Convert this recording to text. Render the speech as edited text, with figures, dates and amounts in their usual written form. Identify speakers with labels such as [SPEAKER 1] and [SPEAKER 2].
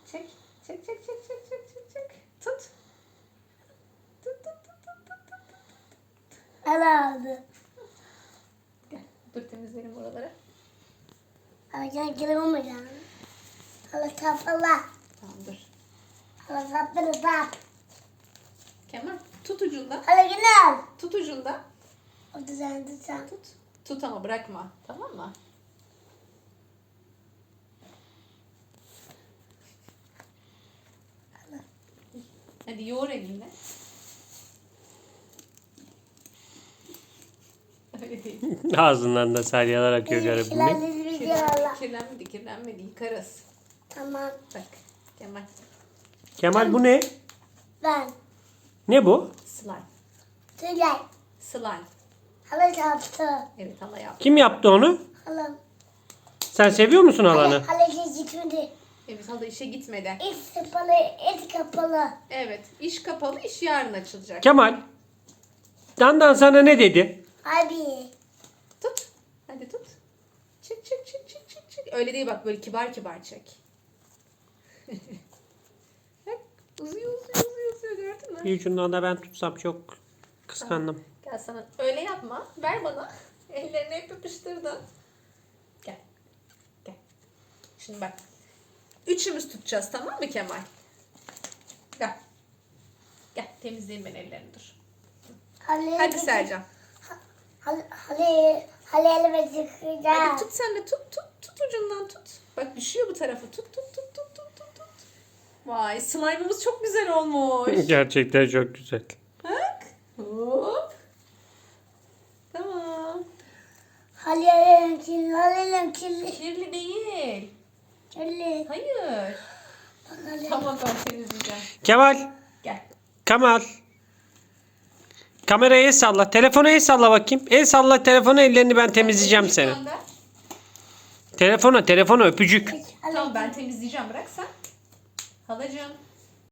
[SPEAKER 1] Çek. Çek çek çek çek çek çek çek. Tut. Tut tut tut tut tut tut.
[SPEAKER 2] Hala aldı.
[SPEAKER 1] Gel. Dur temizleyelim oraları.
[SPEAKER 2] Hala gel olmayacağım. Hala kapalı.
[SPEAKER 1] Tamam dur.
[SPEAKER 2] Hala kapalı bak.
[SPEAKER 1] Kemal tut ucundan.
[SPEAKER 2] Hala gel.
[SPEAKER 1] Tut ucundan.
[SPEAKER 2] O düzenli sen.
[SPEAKER 1] Tut. Tut ama bırakma. Tamam mı? Hadi yoğur elinle. Öyle değil.
[SPEAKER 3] Ağzından da salyalar akıyor garibimin.
[SPEAKER 1] Kirlenmedi, kirlenmedi. Yıkarız.
[SPEAKER 2] Tamam.
[SPEAKER 1] Bak Kemal.
[SPEAKER 3] Kemal bu ne?
[SPEAKER 2] Ben.
[SPEAKER 3] Ne bu?
[SPEAKER 1] Slime.
[SPEAKER 2] Tülay.
[SPEAKER 1] Slime.
[SPEAKER 2] Hala yaptı.
[SPEAKER 1] Evet hala yap.
[SPEAKER 3] Kim yaptı onu?
[SPEAKER 2] Hala.
[SPEAKER 3] Sen seviyor musun halanı?
[SPEAKER 2] Hala gitmedi.
[SPEAKER 1] Evet hala işe gitmedi.
[SPEAKER 2] İç kapalı, et kapalı.
[SPEAKER 1] Evet. İş kapalı, iş yarın açılacak.
[SPEAKER 3] Kemal. Dandan sana ne dedi?
[SPEAKER 2] Abi.
[SPEAKER 1] Tut. Hadi tut. Çek çek çek çek çek çek. Öyle değil bak böyle kibar kibar çek. Bak uzuyor uzuyor uzuyor uzuyor gördün mü?
[SPEAKER 3] Bir ucundan da ben tutsam çok kıskandım.
[SPEAKER 1] Gel sana öyle yapma. Ver bana. Ellerini hep yapıştırdın. Gel. Gel. Şimdi bak. Üçümüz tutacağız tamam mı Kemal? Gel. Gel temizleyeyim ben ellerini dur. Hadi Sercan.
[SPEAKER 2] Hala elime çıkacağım.
[SPEAKER 1] Hadi tut sen de tut tut tut ucundan tut. Bak düşüyor bu tarafı. Tut tut tut tut tut tut tut. Vay slime'ımız çok güzel olmuş.
[SPEAKER 3] Gerçekten çok güzel.
[SPEAKER 1] Bak. Hop. Tamam.
[SPEAKER 2] Hala elim kirli, hala elim kirli.
[SPEAKER 1] Kirli değil.
[SPEAKER 2] Kirli.
[SPEAKER 1] Hayır. Tamam ben temizleyeceğim.
[SPEAKER 3] Kemal.
[SPEAKER 1] Gel.
[SPEAKER 3] Kemal. Kameraya el salla. Telefona el salla bakayım. El salla telefona, ellerini ben temizleyeceğim seni.
[SPEAKER 1] Gönder.
[SPEAKER 3] Telefona öpücük.
[SPEAKER 1] Tamam ben temizleyeceğim bırak sen. Halacığım.